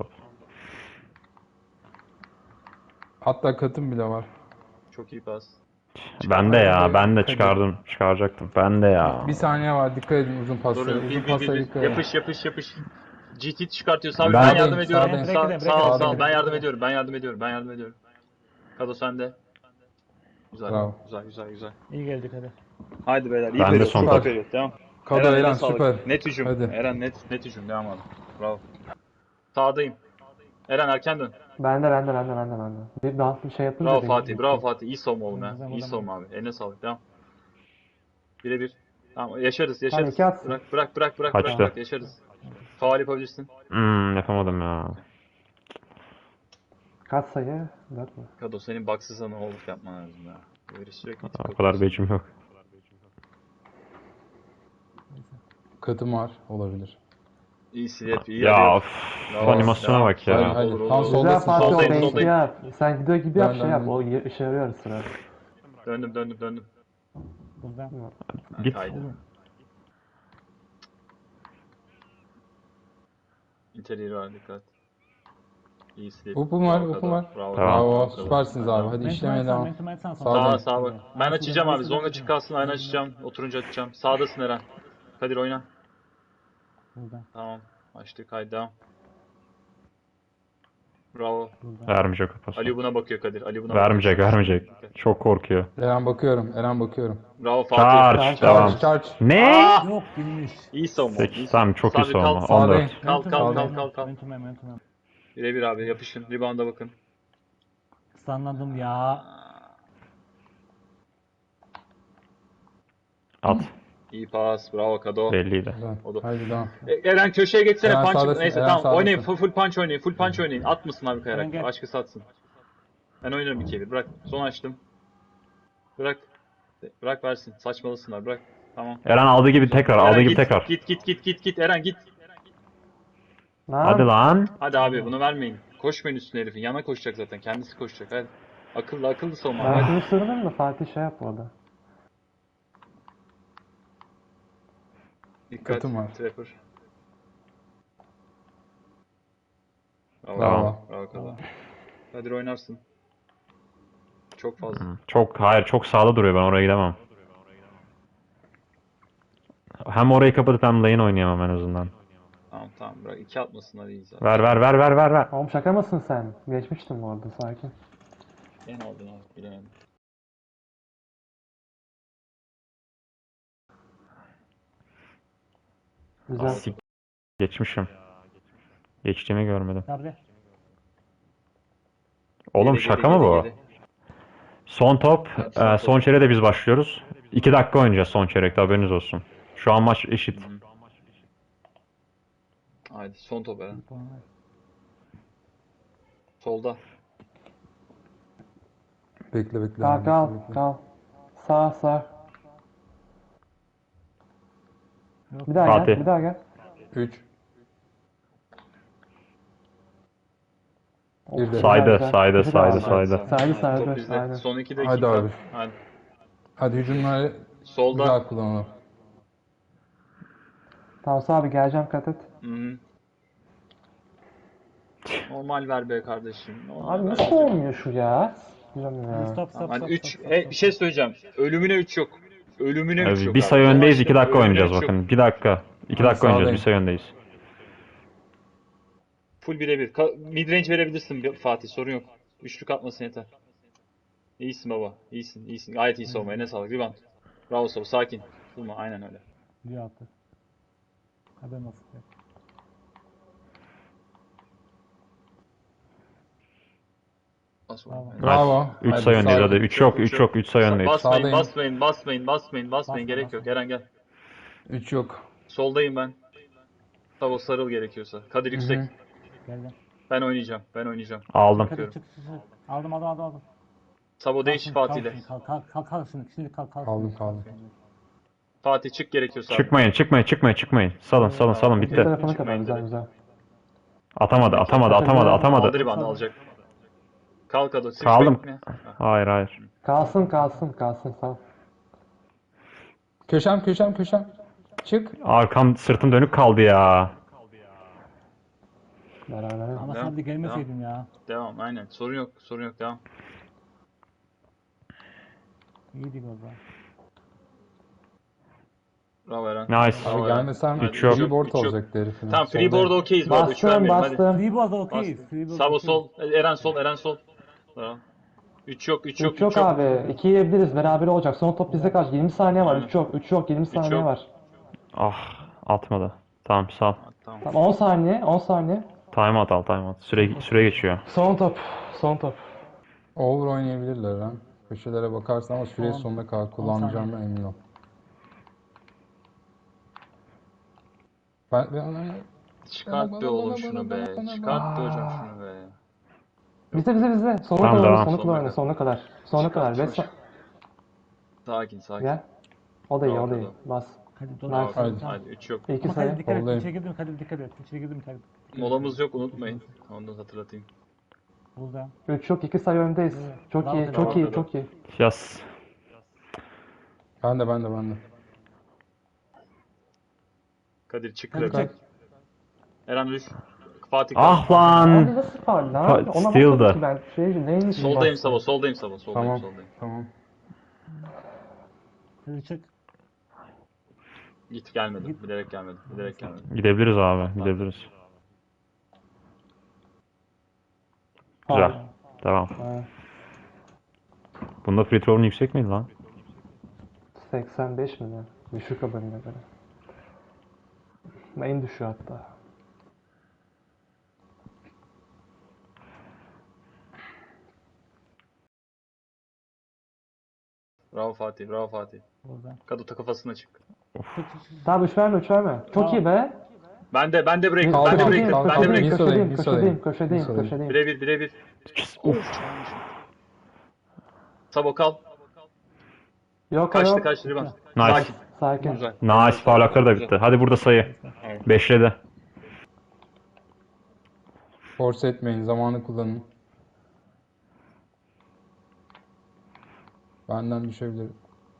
[SPEAKER 6] Hatta katım bile var.
[SPEAKER 2] Çok iyi pas.
[SPEAKER 4] Ben de çıkaracaktım. Ben de ya.
[SPEAKER 6] Bir saniye var. Dikkat edin uzun paslara.
[SPEAKER 2] Doğru.
[SPEAKER 6] Uzun paslara dikkat edin.
[SPEAKER 2] Yapış. GT çıkartıyorsun abi.
[SPEAKER 4] Ben-
[SPEAKER 2] Ben yardım ediyorum.
[SPEAKER 6] Sağdayım.
[SPEAKER 2] Sağ ol.
[SPEAKER 6] Sağdayım.
[SPEAKER 2] Ben yardım ediyorum. Kado sende. Güzel.
[SPEAKER 6] Bravo.
[SPEAKER 2] Güzel.
[SPEAKER 3] İyi geldik hadi.
[SPEAKER 2] Haydi beyler. İyi
[SPEAKER 4] Ben de
[SPEAKER 2] periyot,
[SPEAKER 4] son
[SPEAKER 2] süper
[SPEAKER 4] top.
[SPEAKER 2] periyot. Devam.
[SPEAKER 6] Kado
[SPEAKER 2] eline
[SPEAKER 6] Eren
[SPEAKER 2] sağlık.
[SPEAKER 6] süper.
[SPEAKER 2] Net hücum.
[SPEAKER 6] Hadi.
[SPEAKER 2] Eren net hücum. Devam abi. Bravo. Sağdayım. Eren erken dön.
[SPEAKER 1] Bende. Bir dans bir şey yapınca
[SPEAKER 2] Bravo
[SPEAKER 1] değil.
[SPEAKER 2] Fatih. İyi savunma oğlum ya. İyi savunma abi. Eline sağlık. Devam. Birebir. Tamam yaşarız.
[SPEAKER 1] Hadi iki atsın.
[SPEAKER 2] Bırak.
[SPEAKER 4] Kaçtı.
[SPEAKER 2] Yaşarız. Faul yapabilirsin.
[SPEAKER 4] Yapamadım ya.
[SPEAKER 1] Kaç sayı? 4 mü?
[SPEAKER 2] Kado senin baksız sana oğlum yapman lazım ya. Böyle sürekli
[SPEAKER 4] O
[SPEAKER 2] TikTok
[SPEAKER 4] kadar
[SPEAKER 2] yapıyorsun.
[SPEAKER 4] becim yok.
[SPEAKER 6] Katım var. Olabilir.
[SPEAKER 2] İyi slap, iyi
[SPEAKER 4] Ya
[SPEAKER 2] arıyor.
[SPEAKER 4] of,
[SPEAKER 2] Bravo,
[SPEAKER 4] animasyona
[SPEAKER 2] devam.
[SPEAKER 4] bak ya.
[SPEAKER 6] Hadi, hadi.
[SPEAKER 2] Olur,
[SPEAKER 6] Tam
[SPEAKER 2] olur.
[SPEAKER 6] soldasın.
[SPEAKER 1] Güzel Fatih, o
[SPEAKER 2] Soldayım,
[SPEAKER 1] base'i
[SPEAKER 2] soldayım.
[SPEAKER 1] yap. Sen gidiyor gibi yap,
[SPEAKER 6] Dön,
[SPEAKER 1] şey yap.
[SPEAKER 6] dön.
[SPEAKER 1] O işe yarıyor sıra.
[SPEAKER 2] Döndüm.
[SPEAKER 3] Buradan.
[SPEAKER 2] Ha,
[SPEAKER 4] Git.
[SPEAKER 2] kaydı. İnterior var, dikkat. İyi slap.
[SPEAKER 6] Upum var,
[SPEAKER 2] Bravo,
[SPEAKER 6] upum
[SPEAKER 2] Kado.
[SPEAKER 6] var.
[SPEAKER 2] Bravo,
[SPEAKER 4] Tamam.
[SPEAKER 2] Kado,
[SPEAKER 6] Bravo.
[SPEAKER 2] Kado.
[SPEAKER 6] Süpersiniz abi. Hadi işlemeye devam.
[SPEAKER 3] Mentum
[SPEAKER 6] Sağdayım.
[SPEAKER 2] Sağa bak. Ben açacağım abi. Zonga çık kalsın. Aynen açacağım. Oturunca açacağım. Sağdasın Eren. Kadir oyna.
[SPEAKER 3] Buradan.
[SPEAKER 2] Tamam. Açtık. Haydi devam. Bravo.
[SPEAKER 4] Vermeyecek o pası.
[SPEAKER 2] Ali buna bakıyor Kadir. Ali buna
[SPEAKER 4] Vermeyecek,
[SPEAKER 2] bakıyor.
[SPEAKER 4] vermeyecek. Çok korkuyor.
[SPEAKER 6] Eren bakıyorum. Eren bakıyorum.
[SPEAKER 2] Bravo Fatih.
[SPEAKER 4] Charge, devam.
[SPEAKER 6] Charge.
[SPEAKER 4] Ne?
[SPEAKER 3] Yok girmiş.
[SPEAKER 2] İyi savunma.
[SPEAKER 4] 8, tamam çok iyi
[SPEAKER 2] Sabri,
[SPEAKER 4] savunma.
[SPEAKER 2] kal.
[SPEAKER 4] 14.
[SPEAKER 2] Kal.
[SPEAKER 3] Mentum.
[SPEAKER 2] Birebir abi yapışın. Rebound'a bakın.
[SPEAKER 3] Sanladım ya.
[SPEAKER 4] At.
[SPEAKER 2] İyi pas. Bravo Kado.
[SPEAKER 4] Belliydi.
[SPEAKER 6] Güzel.
[SPEAKER 2] O da-
[SPEAKER 6] Haydi devam.
[SPEAKER 2] Eren köşeye geçsene.
[SPEAKER 6] Eren
[SPEAKER 2] Punch.
[SPEAKER 6] sağdasın,
[SPEAKER 2] Neyse
[SPEAKER 6] Eren
[SPEAKER 2] tamam. Oynayın.
[SPEAKER 6] sağdasın.
[SPEAKER 2] Full punch oynayın. Full punch oynayın. At mısın abi
[SPEAKER 3] Eren
[SPEAKER 2] kayarak?
[SPEAKER 3] gel.
[SPEAKER 2] Başkası atsın. Ben oynarım 2'ye 1. Bırak. Son açtım. Bırak. Bırak versin. Saçmalısınlar. Bırak. Tamam.
[SPEAKER 4] Eren aldığı gibi tekrar,
[SPEAKER 2] Eren
[SPEAKER 4] aldığı gibi
[SPEAKER 2] git,
[SPEAKER 4] tekrar.
[SPEAKER 2] Git. Eren git.
[SPEAKER 4] Hadi lan.
[SPEAKER 2] Hadi abi bunu vermeyin. Koşmayın üstüne herifin. Yana koşacak zaten. Kendisi koşacak. Hadi. Akıllı savunma.
[SPEAKER 1] Ben
[SPEAKER 2] Hadi.
[SPEAKER 1] şunu sırdım da Fatih şey yap orada.
[SPEAKER 2] Dikkat.
[SPEAKER 6] Katım var.
[SPEAKER 2] Trapper. Bravo.
[SPEAKER 6] Bravo.
[SPEAKER 2] Bravo Kado. Kadir oynarsın. Çok fazla.
[SPEAKER 4] Hayır çok sağda duruyor, ben oraya gidemem. Hem orayı kapatıp hem lane oynayamam en azından.
[SPEAKER 2] Tamam bırak. 2 atmasınlar iyi zaten.
[SPEAKER 4] Ver.
[SPEAKER 1] Oğlum şaka mısın sen? Geçmiştim bu arada, sakin.
[SPEAKER 2] En aldın abi. Bilemedim.
[SPEAKER 1] Güzel.
[SPEAKER 4] Geçmişim. Geçtiğimi görmedim.
[SPEAKER 3] Sabri.
[SPEAKER 4] Oğlum
[SPEAKER 2] Geri,
[SPEAKER 4] şaka mı bu?
[SPEAKER 2] geri.
[SPEAKER 4] Son top,
[SPEAKER 2] Evet, son top.
[SPEAKER 4] son çeyreğe de biz başlıyoruz. 2 dakika oynayacağız son çeyrekte, haberiniz olsun. Şu an maç eşit.
[SPEAKER 2] Haydi son top Eren. Solda.
[SPEAKER 6] Bekle.
[SPEAKER 1] Kal. Sağ. Bir daha
[SPEAKER 4] Fatih.
[SPEAKER 1] gel, bir daha gel.
[SPEAKER 6] 3.
[SPEAKER 1] Oh,
[SPEAKER 6] Bir de.
[SPEAKER 1] güzel,
[SPEAKER 4] Saydı,
[SPEAKER 1] güzel.
[SPEAKER 4] saydı,
[SPEAKER 1] Bir daha
[SPEAKER 4] saydı,
[SPEAKER 1] al.
[SPEAKER 4] saydı.
[SPEAKER 1] Saydı,
[SPEAKER 2] Top bizde.
[SPEAKER 1] aynen.
[SPEAKER 2] Son 2
[SPEAKER 6] Hadi
[SPEAKER 2] dakika.
[SPEAKER 6] abi.
[SPEAKER 2] Hadi.
[SPEAKER 6] Hadi hücumları
[SPEAKER 2] Solda.
[SPEAKER 6] güzel kullanalım.
[SPEAKER 1] Tamam abi, geleceğim, kat et.
[SPEAKER 2] Hı-hı. Normal ver be kardeşim. Normal
[SPEAKER 1] Abi
[SPEAKER 2] ver.
[SPEAKER 1] nasıl olmuyor şu ya? Bilmiyorum ya.
[SPEAKER 3] Stop.
[SPEAKER 2] Hani 3 bir şey söyleyeceğim. Ölümüne 3 yok. Ölümüne 3 yok
[SPEAKER 4] Bir
[SPEAKER 2] abi.
[SPEAKER 4] sayı öndeyiz,
[SPEAKER 2] Son
[SPEAKER 4] 2 dakika
[SPEAKER 2] maçta
[SPEAKER 4] oynayacağız
[SPEAKER 2] ölümüne üç
[SPEAKER 4] bakın.
[SPEAKER 2] yok.
[SPEAKER 4] 1 dakika. 2 dakika oynayacağız,
[SPEAKER 6] sağdayım.
[SPEAKER 4] bir sayı öndeyiz.
[SPEAKER 2] Full birebir. Midrange verebilirsin Fatih, sorun yok. Üçlük atmasın yeter. İyisin baba. İyisin. Gayet iyi savunma. Eline sağlık. Rebound. Bravo Sabo. Sakin. Durma. Aynen öyle.
[SPEAKER 3] Bir attı. Haber nasıl?
[SPEAKER 2] Bas oğlum.
[SPEAKER 6] Bravo.
[SPEAKER 4] 3
[SPEAKER 6] Hadi,
[SPEAKER 4] sayı öndeyiz
[SPEAKER 6] sağ-
[SPEAKER 4] hadi. 3 yok, 3 yok, 3 sayı öndeyiz.
[SPEAKER 2] Basmayın.
[SPEAKER 3] Basma,
[SPEAKER 2] Gerek yok. Eren gel.
[SPEAKER 6] 3 yok.
[SPEAKER 2] Soldayım ben. Sabo sarıl gerekiyorsa. Kadir yüksek.
[SPEAKER 3] Geldim.
[SPEAKER 2] Ben oynayacağım.
[SPEAKER 4] Aldım.
[SPEAKER 3] Hadi çık. Aldım.
[SPEAKER 2] Sabo değiş Fatih'le.
[SPEAKER 3] Kalk şimdi kalk.
[SPEAKER 6] Kaldım.
[SPEAKER 2] Fatih çık gerekiyorsa. abi.
[SPEAKER 4] Çıkmayın. Salın
[SPEAKER 1] Bir
[SPEAKER 4] bitti.
[SPEAKER 1] tarafını kadar, güzel.
[SPEAKER 4] Atamadı.
[SPEAKER 2] Aldı rebound alacak. Kalk Ado. Switch
[SPEAKER 4] Kaldım.
[SPEAKER 2] bekle.
[SPEAKER 4] Hayır.
[SPEAKER 1] Kalsın, sağ.
[SPEAKER 6] Köşem. Çık.
[SPEAKER 4] Arkam, sırtım dönük kaldı ya.
[SPEAKER 1] Beraber.
[SPEAKER 3] Ama
[SPEAKER 2] Devam,
[SPEAKER 3] sen de gelmeseydin ya.
[SPEAKER 2] Devam aynen. Sorun yok. Devam.
[SPEAKER 3] İyiydik o zaman.
[SPEAKER 2] Bravo Eren.
[SPEAKER 4] Nice.
[SPEAKER 2] Bravo
[SPEAKER 6] Abi
[SPEAKER 2] Eren.
[SPEAKER 6] gelmesem
[SPEAKER 2] Hadi,
[SPEAKER 6] free
[SPEAKER 2] üç yok,
[SPEAKER 6] board
[SPEAKER 2] üç yok.
[SPEAKER 6] olacaktı herifin.
[SPEAKER 2] Tamam
[SPEAKER 6] Soldayım.
[SPEAKER 2] freeboard'a okeyiz bu arada. 3 vermeyelim hadi.
[SPEAKER 3] Freeboard okey.
[SPEAKER 2] Sabo sol. Eren sol. Tamam. 3 yok.
[SPEAKER 1] 3 yok abi. 2 yiyebiliriz, beraber olacak. Son top bizde kaç? 20 saniye var.
[SPEAKER 2] Aynen.
[SPEAKER 1] 3 yok, 20 saniye
[SPEAKER 2] yok.
[SPEAKER 1] var.
[SPEAKER 4] Atmadı. Tamam sağ ol.
[SPEAKER 2] Tamam.
[SPEAKER 1] Tamam, 10 saniye.
[SPEAKER 4] Time out. Süre geçiyor.
[SPEAKER 1] Son top.
[SPEAKER 6] Over oynayabilirler ha. Köşelere bakarsan ama süre
[SPEAKER 3] Tamam.
[SPEAKER 6] sonuna kadar kullanacağımdan emin ol. Ben
[SPEAKER 2] Çıkart be oğlum şunu be. Çıkart be hocam şunu be.
[SPEAKER 1] Bize. Sonuna
[SPEAKER 4] Tamam,
[SPEAKER 1] kadar
[SPEAKER 4] devam.
[SPEAKER 1] oyna, sonuna kadar. Sonuna kadar.
[SPEAKER 2] Çıkar,
[SPEAKER 1] Beş
[SPEAKER 2] çıkar. Sakin sakin.
[SPEAKER 1] Gel. O da iyi,
[SPEAKER 2] Bravo,
[SPEAKER 1] o da iyi.
[SPEAKER 2] bravo.
[SPEAKER 1] Bas.
[SPEAKER 3] Hadi dur.
[SPEAKER 1] Nice.
[SPEAKER 6] Haydi.
[SPEAKER 2] Hadi 3 yok.
[SPEAKER 1] İki
[SPEAKER 3] Ama
[SPEAKER 1] sayı.
[SPEAKER 3] Kadir dikkat et.
[SPEAKER 6] Soldayım.
[SPEAKER 3] İçeri girdim Kadir dikkat et. İçeri girdim Kadir.
[SPEAKER 2] Molamız yok unutmayın. Onu da hatırlatayım.
[SPEAKER 3] Burada.
[SPEAKER 1] 3 yok, 2 sayı öndeyiz. Çok
[SPEAKER 3] Bravo,
[SPEAKER 1] iyi,
[SPEAKER 3] bravo,
[SPEAKER 1] çok iyi,
[SPEAKER 2] bravo.
[SPEAKER 1] çok iyi.
[SPEAKER 4] Yaz.
[SPEAKER 6] Ben de.
[SPEAKER 2] Kadir çık
[SPEAKER 3] Kadir
[SPEAKER 2] rakip.
[SPEAKER 3] çık.
[SPEAKER 2] Eren düş. Fatih
[SPEAKER 4] Ah
[SPEAKER 2] kal.
[SPEAKER 1] Abi
[SPEAKER 4] lan.
[SPEAKER 1] nasıl faul lan?
[SPEAKER 4] Fa-
[SPEAKER 1] Ona
[SPEAKER 4] steal
[SPEAKER 1] bakmadım
[SPEAKER 4] da.
[SPEAKER 1] ki ben. Neymiş?
[SPEAKER 2] Soldayım Sabo, soldayım Sabo, soldayım,
[SPEAKER 6] Tamam.
[SPEAKER 2] soldayım.
[SPEAKER 6] Tamam.
[SPEAKER 3] Kadir çık.
[SPEAKER 2] Git gelmedim, bilerek gelmedim, bilerek gelmedim.
[SPEAKER 4] Gidebiliriz abi. Gidebiliriz. Güzel. Tamam.
[SPEAKER 1] Ha,
[SPEAKER 4] Bunda free throw'un yüksek miydi lan?
[SPEAKER 1] 85 mi ne? Düşük haberine göre. En düşüğü hatta.
[SPEAKER 2] Bravo Fatih, bravo Fatih.
[SPEAKER 3] Burada.
[SPEAKER 2] Kaduta kafasına çık.
[SPEAKER 1] Tamam 3 verme, 3 verme. Çok
[SPEAKER 3] Tamam.
[SPEAKER 1] iyi be.
[SPEAKER 2] Ben de break,
[SPEAKER 6] Kaldı,
[SPEAKER 2] ben de
[SPEAKER 6] kaldı,
[SPEAKER 2] break,
[SPEAKER 6] kaldı,
[SPEAKER 2] ben de
[SPEAKER 6] kaldı.
[SPEAKER 2] break.
[SPEAKER 1] Köşedeyim,
[SPEAKER 6] Nisa'dayım.
[SPEAKER 1] köşedeyim.
[SPEAKER 2] Birebir.
[SPEAKER 4] Uf.
[SPEAKER 2] Sabo kal.
[SPEAKER 1] Yok
[SPEAKER 2] Kaçtı
[SPEAKER 1] yok.
[SPEAKER 2] kaçtı riban.
[SPEAKER 4] Nice.
[SPEAKER 2] Sakin.
[SPEAKER 1] Sakin.
[SPEAKER 2] Güzel.
[SPEAKER 4] Nice. Foul hakları da bitti. Hadi burada sayı.
[SPEAKER 2] Evet.
[SPEAKER 4] 5'ledi.
[SPEAKER 6] Force etmeyin. Zamanı kullanın. Benden düşebilir.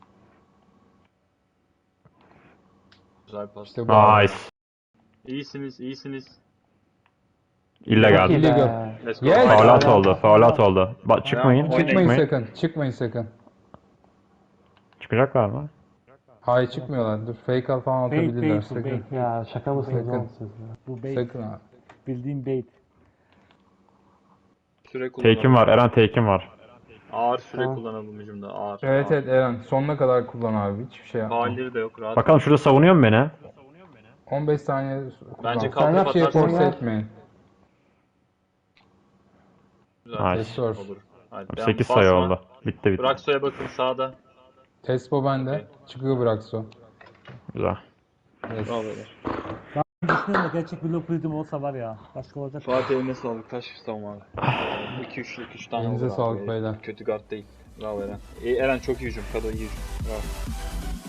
[SPEAKER 2] Güzel pas.
[SPEAKER 6] İşte bu.
[SPEAKER 4] Nice.
[SPEAKER 2] İyisiniz.
[SPEAKER 4] İllegal.
[SPEAKER 1] Çok iyi
[SPEAKER 6] Illegal.
[SPEAKER 1] be.
[SPEAKER 2] Let's go.
[SPEAKER 6] Yes.
[SPEAKER 2] Haydi.
[SPEAKER 4] Faulat oldu. Faulat oldu. Çıkmayın.
[SPEAKER 2] Oynayın.
[SPEAKER 6] Çıkmayın sakın.
[SPEAKER 4] Çıkacaklar mı?
[SPEAKER 6] Hayır çıkmıyorlar. Dur fake al falan
[SPEAKER 3] Bait,
[SPEAKER 6] atabilirler.
[SPEAKER 3] bait, bu
[SPEAKER 6] Sakın.
[SPEAKER 3] bait.
[SPEAKER 1] Ya şaka mısınız
[SPEAKER 6] Sakın.
[SPEAKER 1] oğlum siz ya?
[SPEAKER 3] Bu bait.
[SPEAKER 6] Sakın abi.
[SPEAKER 3] Bildiğin bait.
[SPEAKER 2] Süre kullanalım.
[SPEAKER 4] Take'im var. Eren take'im var.
[SPEAKER 2] Ağır süre
[SPEAKER 1] Tamam.
[SPEAKER 2] kullanalım hücumda. Ağır.
[SPEAKER 6] Evet
[SPEAKER 2] ağır.
[SPEAKER 6] evet Eren. Sonuna kadar kullan abi. Hiçbir şey yapma.
[SPEAKER 2] Faulleri de yok rahat.
[SPEAKER 4] Bakalım şurada savunuyor mu beni?
[SPEAKER 6] 15 saniye kullan.
[SPEAKER 2] Bence
[SPEAKER 1] Sen
[SPEAKER 2] kalkıp
[SPEAKER 1] yap şey,
[SPEAKER 2] atarsın.
[SPEAKER 6] Force
[SPEAKER 1] Sen yap.
[SPEAKER 6] etmeyin.
[SPEAKER 2] Güzel.
[SPEAKER 4] Nice.
[SPEAKER 6] Restore.
[SPEAKER 2] Olur. Hadi, devam.
[SPEAKER 4] 8 sayı
[SPEAKER 2] Basma.
[SPEAKER 4] oldu. Bitti.
[SPEAKER 2] Brakso'ya bakın sağda.
[SPEAKER 6] Tespo bende. Çıkıyor Braxo.
[SPEAKER 4] Güzel.
[SPEAKER 6] Yes.
[SPEAKER 2] Bravo beyler.
[SPEAKER 3] Düşünüyorum da gerçek bir loop rhythm olsa var ya. Başka olacak.
[SPEAKER 2] Fatih eline sağlık. Kaç savunma abi? 2-3 tane
[SPEAKER 6] Elinize
[SPEAKER 2] olur abi.
[SPEAKER 6] sağlık beyler.
[SPEAKER 2] Kötü guard değil. Bravo Eren. Eren çok iyi hücum. Kado iyi hücum. Bravo.